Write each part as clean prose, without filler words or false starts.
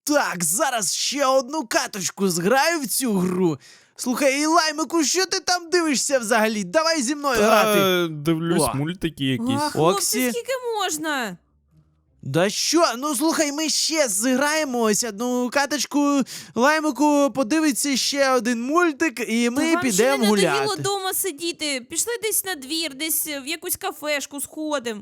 Так, зараз ще одну каточку зграю в цю гру. Слухай, Лаймику, що ти там дивишся взагалі? Давай зі мною грати. Дивлюсь О. мультики А, якісь. хлопці, Оксі. скільки можна? Да що? Ну слухай, ми ще зіграємо ось одну каточку. Лаймику подивиться ще один мультик, і ми Та вам ще підемо не надоїло гуляти. дома сидіти. Пішли десь на двір, десь в якусь кафешку сходимо.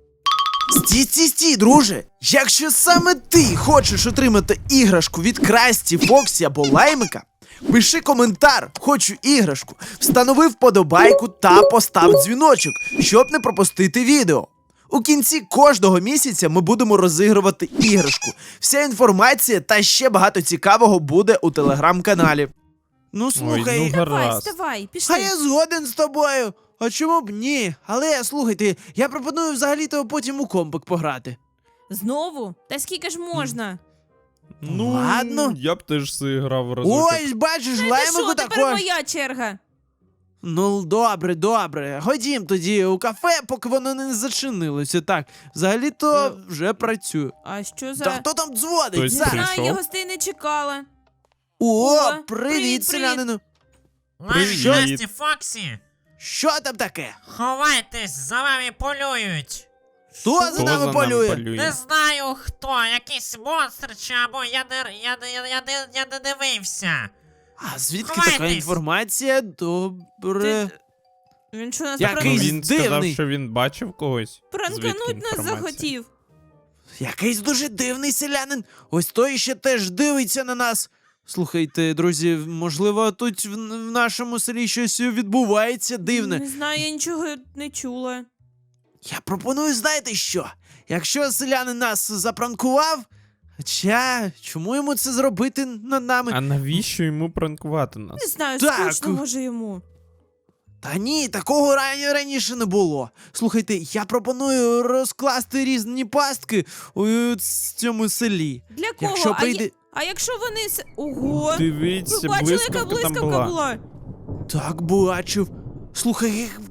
Стій, друже! Якщо саме ти хочеш отримати іграшку від Красті, Фоксі або Лаймика, пиши коментар «Хочу іграшку», встанови вподобайку та постав дзвіночок, щоб не пропустити відео. У кінці кожного місяця ми будемо розігрувати іграшку. Вся інформація та ще багато цікавого буде у телеграм-каналі. Ну слухай, ну, Давай, Гаразд. вставай, пішли. а я згоден з тобою. А чому б ні? Але слухайте, я пропоную взагалі-то потім у компик пограти. Знову? Та скільки ж можна? Ну, Ладно. я б теж зіграв разочок. Ось, бачиш, Та Лаймику що, тепер також. моя черга. Ну, добре. Ходім тоді у кафе, поки воно не зачинилося. Так, взагалі-то вже працюю. А що за... Та хто там дзвонить? Хтось Не Зараз. знаю, прийшов? я гостей не чекала. О, привіт, привіт, селянину. Привіт. Насті, Фоксі! Що там таке? Ховайтесь, за вами полюють! Хто за Хто нами полює? Не знаю хто, якийсь монстр чи або я не дивився. А звідки Ховайтесь. така інформація? Добре. Він що нас Якийсь Ну, він сказав, дивний. що він бачив когось. пранкануть нас інформація? захотів. Якийсь дуже дивний селянин. Ось той ще теж дивиться на нас. Слухайте, друзі, можливо, тут в нашому селі щось відбувається дивне. Не знаю, я нічого не чула. Я пропоную, знаєте що? Якщо селянин нас запранкував, хоча чому йому це зробити над нами? А навіщо йому пранкувати Не нас? знаю, Так. скучно може йому. Та ні, такого раніше не було. Слухайте, я пропоную розкласти різні пастки у цьому селі. Для кого? Якщо прийде. А якщо вони... Ого! Дивіться, Ви бачили, яка блискавка там блискавка була. була? Так, бачив. Слухай,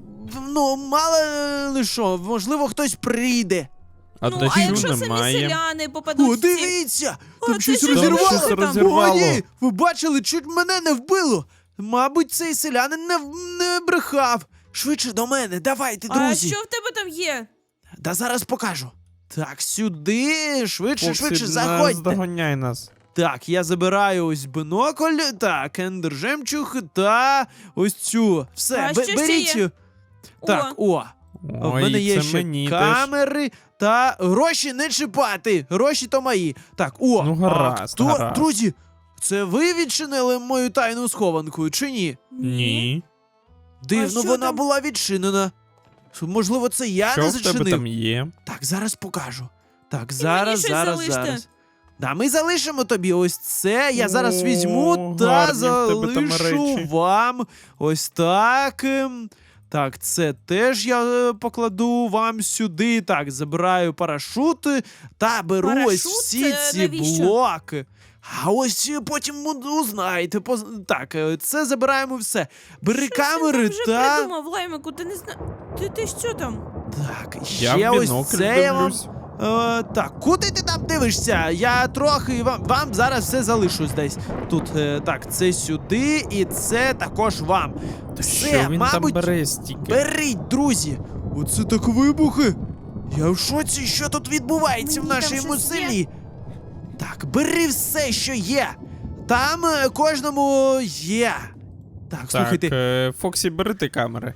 ну мало ли що, можливо, хтось прийде. А Ну, а дощу якщо самі немає. селяни попадуть О, в ці... дивіться! Там О, щось це що розірвало! щось розірвало. О, ні! Ви бачили, чуть мене не вбило! Мабуть, цей селянин не брехав. Швидше до мене, давайте, А друзі. що в тебе там є? Да зараз покажу. Так, сюди, швидше, Фоксі, заходьте. наздоганяй нас. Так, я забираю ось бинокль, так, ендер жемчуг та ось цю. Все, А що ще беріть. є? Так, о. В Ой, мене є це ще мені теж. камери та гроші не чіпати. Гроші то мої. Так, о, Ну, гаразд, а гаразд. друзі, це ви відчинили мою тайну схованку, чи ні? Ні. Дивно, що вона там? була відчинена. Можливо, це я Що не в тебе зачинив. там є? Так, зараз покажу. Так, мені зараз, щось зараз, залиште. зараз. Да, ми залишимо тобі ось це. Я зараз О, візьму та гарні в тебе там залишу речі. вам ось так. Так, це теж я покладу вам сюди. Так, забираю парашути та беру ось Парашут? всі Це ці навіщо? блоки. А ось потім узнаєте. Так, це забираємо все. Бери камери Ти вже та. придумав, Лаймику, ти не знаєш... Ти що там? Так, Я ще в ось бінокль це я вам. дивлюсь. Так, куди ти там дивишся? Я трохи вам зараз все залишу десь. Тут так, це сюди і це також вам. Все, Що він мабуть, там бере стільки? беріть, друзі. Оце так вибухи. Я в шоці, що тут відбувається в Мені там нашому щось є. селі. Так, бери все, що є. Там кожному є. Так, Так, слухайте. Фоксі, бери ти камери.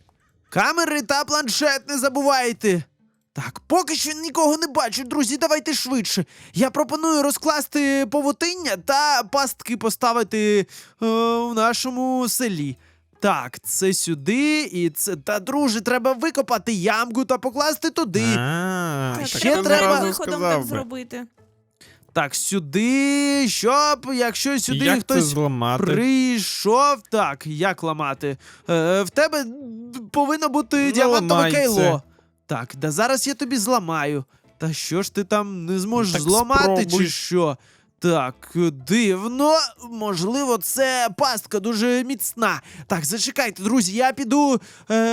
Камери та планшет не забувайте. Так, поки що нікого не бачу, друзі, давайте швидше. Я пропоную розкласти павутиння та пастки поставити в нашому селі. Так, це сюди і це. Та, друже, треба викопати ямку та покласти туди. А, Так, ще так ти треба- одразу виходом сказав так би. зробити. Так, сюди, щоб, якщо сюди Як це хтось зламати? прийшов. Так, як ламати? В тебе повинно бути діамантове ламай кейло. це. Так, да зараз я тобі зламаю. Та що ж ти там не зможеш Так зламати, спробуй. чи що? Так, дивно. Можливо, це пастка дуже міцна. Так, зачекайте, друзі, я піду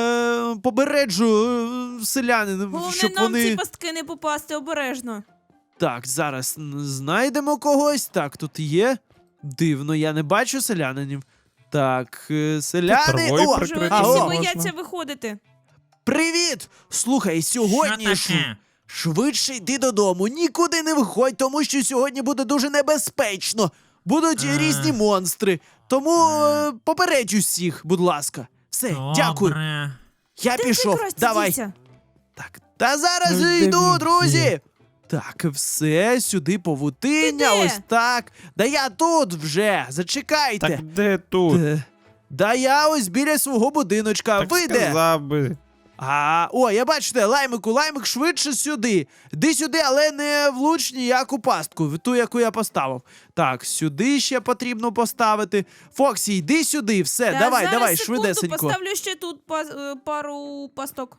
побереджу селянин, Головне щоб нам вони. ці пастки не попасти обережно. Так, зараз знайдемо когось. Так, тут є. Дивно, я не бачу селянинів. Так, селяни. травою О, Може, вони прикрити всі алло, можна. бояться виходити. привіт! Слухай, сьогодні Що таке? швидше йди додому. Нікуди не виходь, тому що сьогодні буде дуже небезпечно. Будуть різні монстри. Тому попередь усіх, будь ласка. Все, дякую. Добре. Я Де пішов. ти, Красті, Давай. дівся? Так, та зараз Ну, де йду, він друзі. є? Так, все, сюди павутиння, Ти де? ось так. Да я тут вже, зачекайте. Так де тут? Да я ось біля свого будиночка. Так Ви де? сказав би. О, я бачите, лаймик швидше сюди. Іди сюди, але не влуч ніяку пастку, в ту, яку я поставив. Так, сюди ще потрібно поставити. Фоксі, йди сюди, все, Та давай, зараз, давай, секунду, швидесенько. поставлю ще тут пару пасток.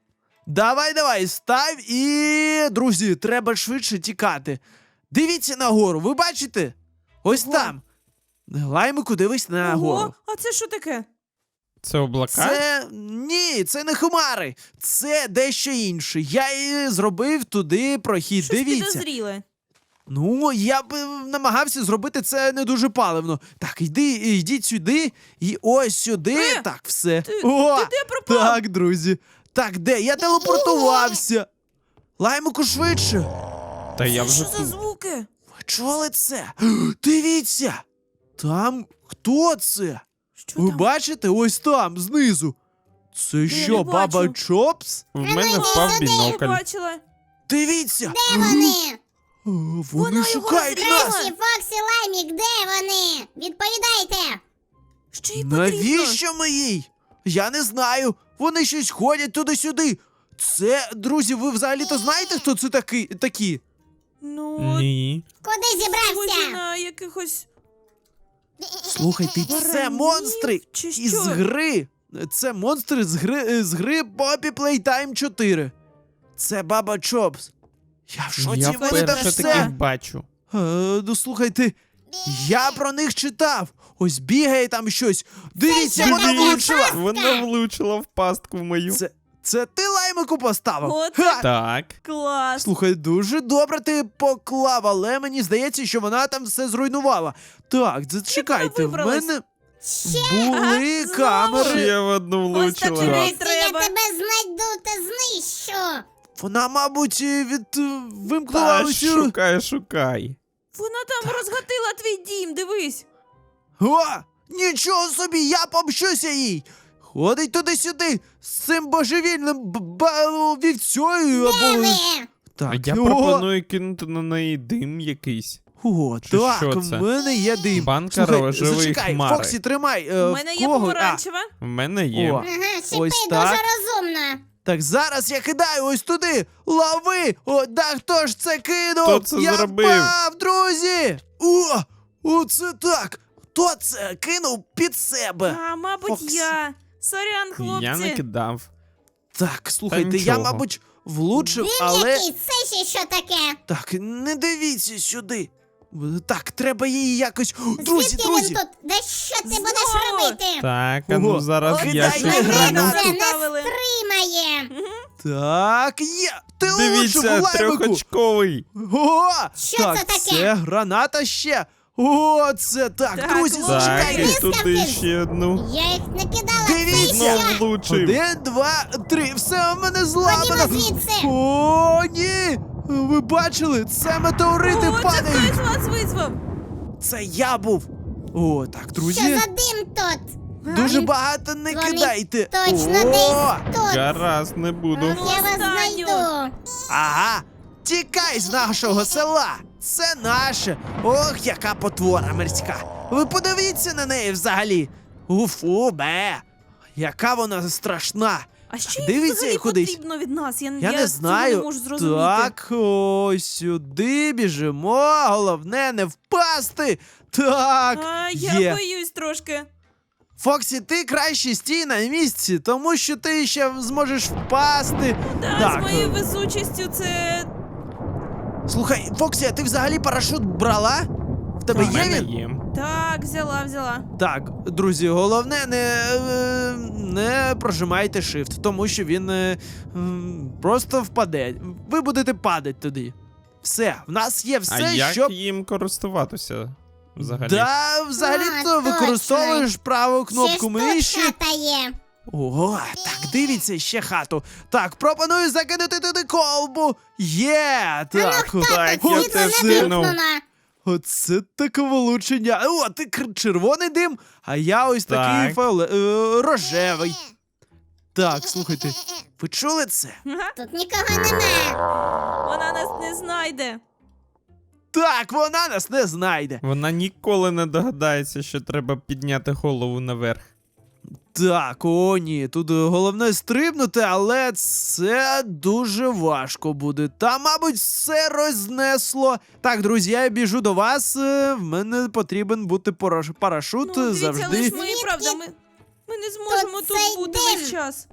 Давай, став і, друзі, треба швидше тікати. Дивіться нагору, ви бачите? Ось Ого. там. Лаймику, дивись нагору. Ого, а це що таке? Це облака? Ні, це не хмари, це дещо інше. Я і зробив туди прохід. Щось Дивіться. підозріле. Ну, я б намагався зробити це не дуже паливно. Так, йдіть сюди і ось сюди. Так, все. Ти О, де пропав? так, друзі. Так, де? Я телепортувався. Лаймику швидше. Та я Це вже що за тут. звуки? Ви чули це? Дивіться. Там хто це? Що Ви там? бачите? Ось там, знизу. Це не що, бачу. баба Чопс? В мене впав Я бінокль. бачила. Дивіться. Де вони? О, Вона Вони його шукають розрізала. нас. Красті, Фоксі, Лаймік, де вони? Відповідайте! Що їй потрібно? Навіщо ми їй? Я не знаю. Вони щось ходять туди-сюди. Це, друзі, ви взагалі-то знаєте, хто це такі? Ну, Ні. Куди схожі зібрався? на якихось... Слухайте, це Баранів монстри чи із що? гри. Це монстри з гри Poppy Playtime 4. Це баба Чопс. Я в шоці, Я вони там вперше все. таких бачу. Ну слухайте, я про них читав. Ось бігає там щось. Дивіться, що вона таке? влучила. Вона влучила в пастку в мою. Це ти лаймику поставив? От Ха! Так. Клас. Слухай, дуже добре ти поклав, але мені здається, що вона там все зруйнувала. Так, зачекайте, в вибралась? мене Ага, були знову. камери. Ще в одну Ось так влучила. живе. Красті, я треба. тебе знайду та знищу! Вона, мабуть, вимкнула Та усю. шукай. Вона там розгатила твій дім, дивись. О, нічого собі, я помщуся їй. Ходить туди-сюди з цим божевільним вівцею Де або. ви? Так, Я о, пропоную кинути на неї дим якийсь. О, Чи так, що в це? мене є дим. Банка Слухай, рожевої зачекай, хмари. Фоксі, тримай. У мене в є кого? помаранчева. В мене є. О. Ага, шипи Ось дуже так. розумно. Так, зараз я кидаю ось туди. Лови! О, да хто ж це кинув? Хто це я зробив? впав, друзі! Оце так! Хто це кинув під себе? А, мабуть, Фоксі. я. Сорян, хлопці. Я не кидав. Так, слухайте, я, нічого. мабуть, влучив, Дим але. якийсь, це ще що таке? Так, не дивіться сюди. Так, треба її якось. Друзі, Звідки друзі! він тут? Да що ти Знову? будеш робити? Так, а ну Ого. зараз Ой, я кидай щось мене зроблю. гранату. Це не Поставили. стримає! Так, є! Ти влучив Дивіться, у лаймику! трьохочковий. О! Що так, це таке? це граната ще! О, це так, Так, друзі, ладно. Так, зачекайте! і Блискавки. туди ще одну. Я їх не кидала, Дивіться. це Знов що? влучив. 1, 2, 3, все у мене зламано! Ходімо звідси! О, ні! Ви бачили? Це метеорити О, це падають! хтось вас визвав. Це я був! О, так, Що друзі, за дим тут? дуже багато не Вони кидайте! Точно О! десь тут! Гаразд, не буду. Ну, Я вас останню. знайду! Ага! Тікай з нашого села! Це наше! Ох, яка потвора мирська! Ви подивіться на неї взагалі! Уфу, бе! Яка вона страшна! А що їй Дивіться, взагалі кудись. потрібно від нас? Я Я не цього знаю. не можу зрозуміти. Так, ось сюди біжимо. Головне не впасти. Так, А, є. я боюсь трошки. Фоксі, ти краще стій на місці, тому що ти ще зможеш впасти. Да, Так, з моєю везучістю це... Слухай, Фоксі, а ти взагалі парашут брала? В тебе В є мене він? є. Так, взяла. Так, друзі, головне не прожимайте shift, тому що він просто впаде. Ви будете падати туди. Все, в нас є все, А як щоб. їм користуватися взагалі? Да, взагалі-то А, використовуєш праву кнопку Ще ж тут миші. хата є. О, так, дивіться, ще хату. Так, пропоную закинути туди колбу. Є! Так, Так, Тут я світло теж не кинув. вимкнено. оце таке влучення. О, ти червоний дим, а я ось такий Так. рожевий. Так, слухайте, ви чули це? Ага, Тут нікого нема. вона нас не знайде. Так, вона нас не знайде. Вона ніколи не догадається, що треба підняти голову наверх. Так, о ні, тут головне стрибнути, але це дуже важко буде. Та, мабуть, все рознесло. Так, друзі, я біжу до вас. В мене потрібен бути парашут Дивіться, завжди. але ж ми, Звідки? правда, ми не зможемо Тут тут цей бути дим. весь час.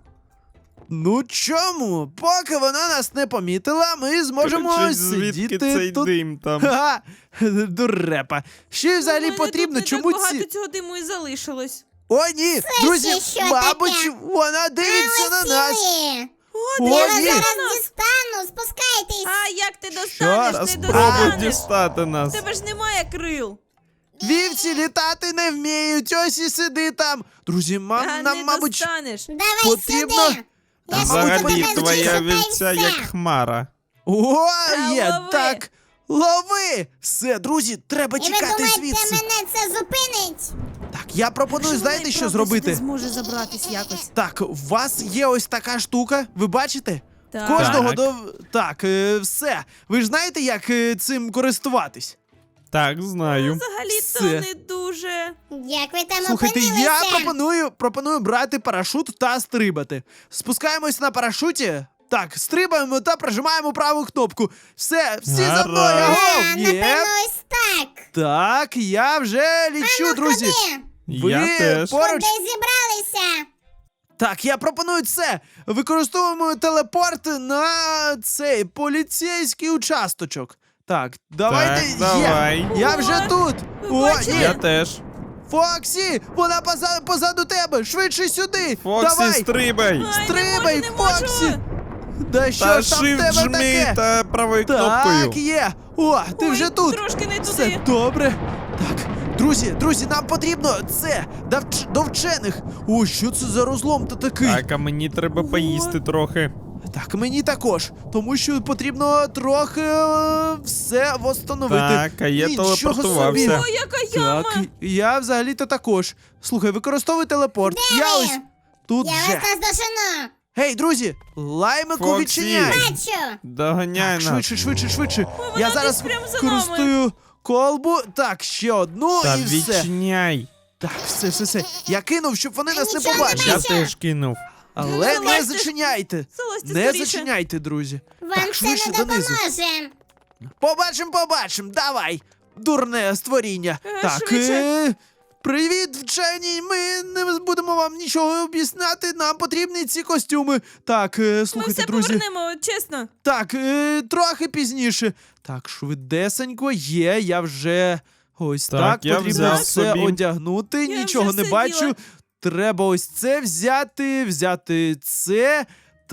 Ну чому? Поки вона нас не помітила, ми зможемо Коротше, звідки сидіти цей тут. дим там? Ха, дурепа. Що їй взагалі У мене потрібно? тут не Чому так багато ці. цього диму і залишилось. О, ні! Друзі, ще що мабуть, таке? вона дивиться на нас. Летіли. О, Я вас ні! зараз дістану, спускайтесь. А як ти Та достанеш? Не Спробуй достанеш. дістати У нас. тебе ж немає крил. Вівці літати не вміють, ось і сиди там. Друзі, А нам, не мабуть, достанеш. Давай потрібно- сюди. Та, Я мабуть, тебе Взагалі, потрібно твоя зачекаю, вівця все. як хмара. О, Та є, лови. так. Лови! Все, друзі, треба І ви тікати думаєте, звідси. мене це зупинить? Так, я пропоную, знаєте, що зробити? Не зможе забратись якось. Так, у вас є ось така штука, ви бачите? Так. Кожного Так. до. Так, все. Ви ж знаєте, як цим користуватись? Так, знаю. Взагалі-то Все. не дуже. Як ви там Слухайте, опинилися? я пропоную брати парашут та стрибати. Спускаємось на парашуті. Так, стрибаємо та прижимаємо праву кнопку. Все, всі за мною. Гаразд. Агов! А, Є. напевно, ось так. Так, я вже лічу, друзі. Ходи. Ви Я теж. поруч. Куди зібралися? Так, я пропоную це. Використовуємо телепорт на цей поліцейський участочок. Так, давайте. Так, давай. Є. Я вже О, тут. ви бачили? ні. Я теж. Фоксі, вона позаду тебе. Швидше сюди. Фоксі, Давай. стрибай. Ай, Стрибай, не можу, не Фоксі. можу. Да що Та ж там в shift тебе жми таке? та правою Так, кнопкою. є. О, ти Ой, вже тут. Трошки не Все туди. добре. Так, друзі, нам потрібно це до вчених. О, що це за розлом та такий? Так, а мені треба Ого. поїсти трохи. Так, мені також, тому що потрібно трохи все восстановити. Так, а я Нічого телепортувався. собі. О, яка яма. Так, я взагалі-то також. Слухай, використовуй телепорт. Я ви? ось тут Я вже. вас наздожену. Гей, друзі, лаймику Фоксі. відчиняй. Бачу. Доганяй Так, нас. швидше. вона Я десь зараз прямо за користую колбу. Так, ще одну Та і все. відчиняй. Так, все. Я кинув, щоб вони нас не нічого не побачили. Я бачу. теж кинув. Але Ну, не залазьте. зачиняйте. Залазьте Не скоріше. зачиняйте, друзі. Вам Так, це швидше не донизу. допоможе. Побачим. Давай. Дурне створіння. Так, швидше. привіт, вчені. Ми не будемо вам нічого об'ясняти. Нам потрібні ці костюми. Так, Ми слухайте, все друзі. повернемо, чесно. Так, трохи пізніше. Так, швидесенько є, я вже ось Так, так, я потрібно взяв все собі. одягнути, Я нічого вже не все бачу. діла. Треба ось це взяти це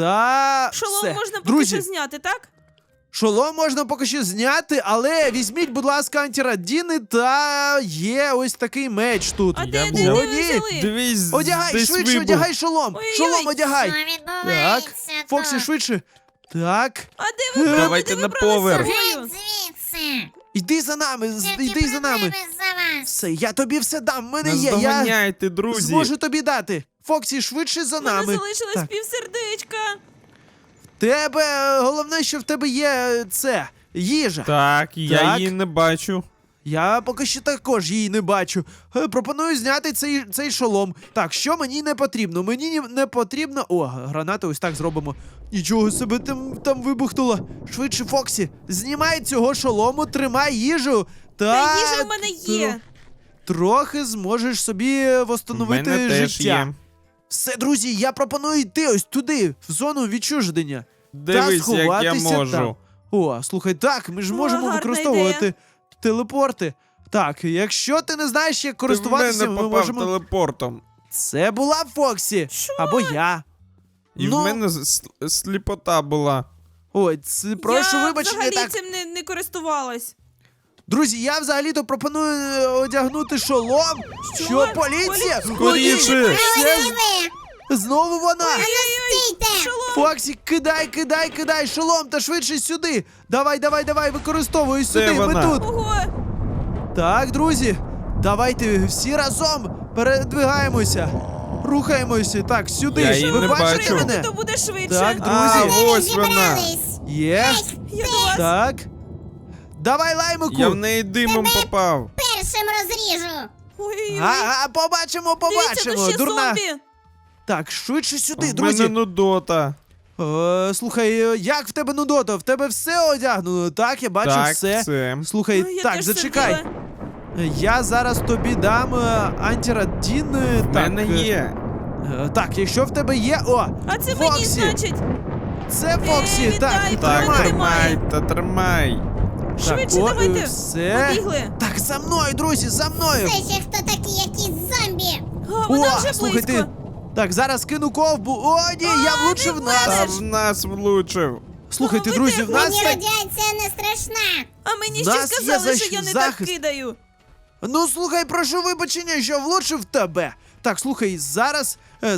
та Шолом все. можна поки Друзі, що зняти, так? шолом можна поки що зняти, але візьміть, будь ласка, антирадіни та є ось такий меч тут. А Я де був. ви О, ні. взяли? Дивись, Одягай, десь швидше, вибух. одягай шолом. Ой-ой-ой. Шолом Що одягай. відбувається Так, Фоксі, тут? швидше. Так, А де ви брали? Давайте Де на ви брали з поверх. собою? Геть звідси. іди за нами, Тільки іди за нами. проблеми за вас. Все, я тобі все дам, в мене є, я Наздоганяйте, друзі. зможу тобі дати. Фоксі, швидше за У мене нами. залишилось Так. півсердечка. Тебе, головне, що в тебе є це, їжа. Так, я Так. її не бачу. Я поки що також її не бачу. Пропоную зняти цей шолом. Так, що мені не потрібно? Мені не потрібно. О, гранати ось так зробимо. Нічого себе там вибухнуло. Швидше, Фоксі, знімай цього шолому, тримай їжу. Та їжа в мене є. Трохи зможеш собі У восстановити мене теж життя. є. Все, друзі, я пропоную йти ось туди, в зону відчуження. Дивись, як я сховатися можу. там. О, слухай, так, ми ж О, можемо гарна використовувати ідея. телепорти. Так, якщо ти не знаєш, як Ти в користуватися, мене ми попав можемо. телепортом. Це була Фоксі. Що? Або я. І Ну. в мене сліпота була. Ой, прошу я вибачення, взагалі так. цим не користувалась. Друзі, я взагалі-то пропоную одягнути шолом. Що, поліція? Скоріше! Ой, Ось це і ви. знову вона! Стійте. Фоксі, кидай шолом та швидше сюди. Давай, використовуй сюди, ми вона? тут. Ого! Так, друзі, давайте всі разом передвигаємося. Рухаємося. Так, сюди. Я її Ви не бачите бачу. мене? То буде швидше. Так, А, друзі. ось вона. Зібрались. Є. Я до вас. Так. Давай, лаймику. Я в неї димом попав. Першим розріжу. Ой-ой-ой. Ага, побачимо. Дивіться, тут ще Дурна. зомбі. Так, швидше сюди, В мене друзі. нудота. Слухай, як в тебе нудота? В тебе все одягнено, так? Я бачу Так, все. все. Слухай, Ой, я так, теж зачекай. сердила. Я зараз тобі дам антирадін. В Так, мене є. Так, якщо в тебе є. О! А це мені, Фоксі! значить. Це Фоксі! Так, вітаю, Так, Тримай. тримай, та тримай. Швидше о, давайте. все. Побігли. Так, за мною, друзі, за мною! Це ще хто такі, якісь зомбі? А, вона вже слухай, близько. Так, зараз кину ковбу. О, ні, я влучив не нас! Та в нас влучив. Слухайте, ви друзі, де? в нас Мені є... радіація не страшна. А мені В ще нас є сказали, що я не так захист. кидаю. Ну, слухай, прошу вибачення, що влучив тебе. Так, слухай, зараз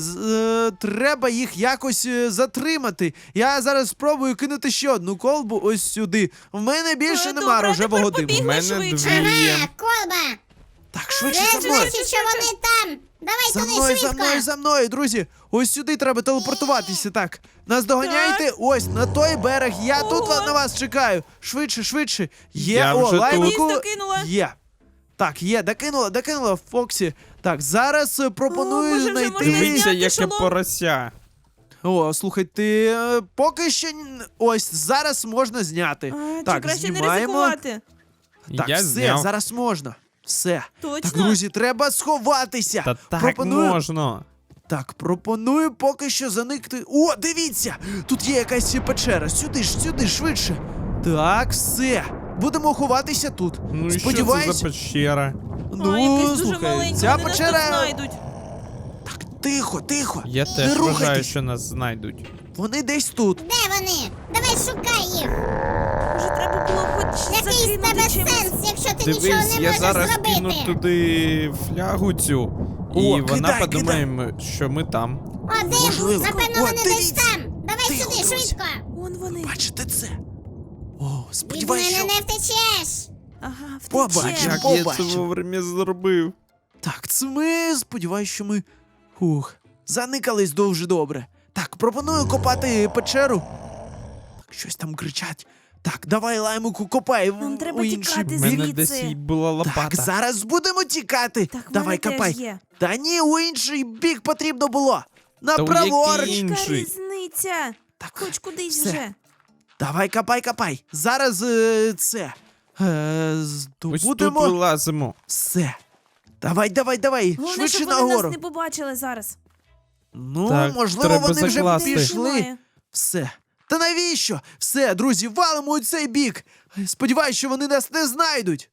треба їх якось затримати. Я зараз спробую кинути ще одну колбу ось сюди. В мене більше А, нема добре, рожевого тепер диму. У побігли. мене швидше. дві є. Ага, колба. Так, швидше Це за мною. значить, що вони там. Давай За туди мною, швидко. за мною, друзі. Ось сюди треба телепортуватися. Так, нас доганяйте. Ось на той берег. Я тут Ого. на вас чекаю. Швидше. Є, Я вже тут. лаймику. Ліс докинула. Є. Так, є, докинула Фоксі. Так, зараз пропоную може, вже знайти. можна Дивіться, зняти яке шолом? порося. О, слухай, ти поки що ось зараз можна зняти. А, чи так, краще не знімаємо. ризикувати? Так, Я все, зняв. зараз можна. Все. Точно? Так, друзі, треба сховатися. Та так пропоную, можна. Так, пропоную поки що заникти. О, дивіться! Тут є якась печера. Сюди, швидше. Так, все. Будемо ховатися тут. Ну і що це Сподіваюсь. за пещера? Ну, а, якась дуже слухай, маленька, ця вони нас тут печера. знайдуть. Так, тихо. Я Не теж вважаю, рухайтесь. що нас знайдуть. Вони десь тут. Де вони? Давай шукай їх. Може, треба було хоч Який з закинути тебе чимось. сенс, якщо ти нічого Дивись, не я можеш зараз зробити? кину туди флягу цю, і О, вона кидай, подумає, що ми там. О, де? Можливо. Напевно, О, вони десь дивіться. там. Давай Тихо, сюди, друзі. швидко. Вон вони. Бачите це? О, Від сподіваюсь, мене що... не втечеш. Ага, Побачимо. втече. Як я це побачимо. вовремя зробив. Так, це ми, сподіваюсь, що ми. Заникались дуже добре. Так, пропоную копати печеру. Так, щось там кричать. Так, давай, лаймику, копай Нам треба у інший тікати У бік. мене звідси. десь і була лопата. Так, зараз будемо тікати. Так, в давай, мене теж копай. є. Та ні, у інший бік потрібно було. Та у Направоруч. який? Яка Інший. різниця? Так, Хоч кудись все. вже. давай, копай. Зараз це. Ось тут Здобудемо. вилазимо. Все. Давай. Головне, Швидше щоб вони нагору. нас не побачили зараз. Ну, Так, можливо, треба вони вже закласти. пішли. Немає. Все. Та навіщо? Все, друзі, валимо у цей бік. Сподіваюсь, що вони нас не знайдуть.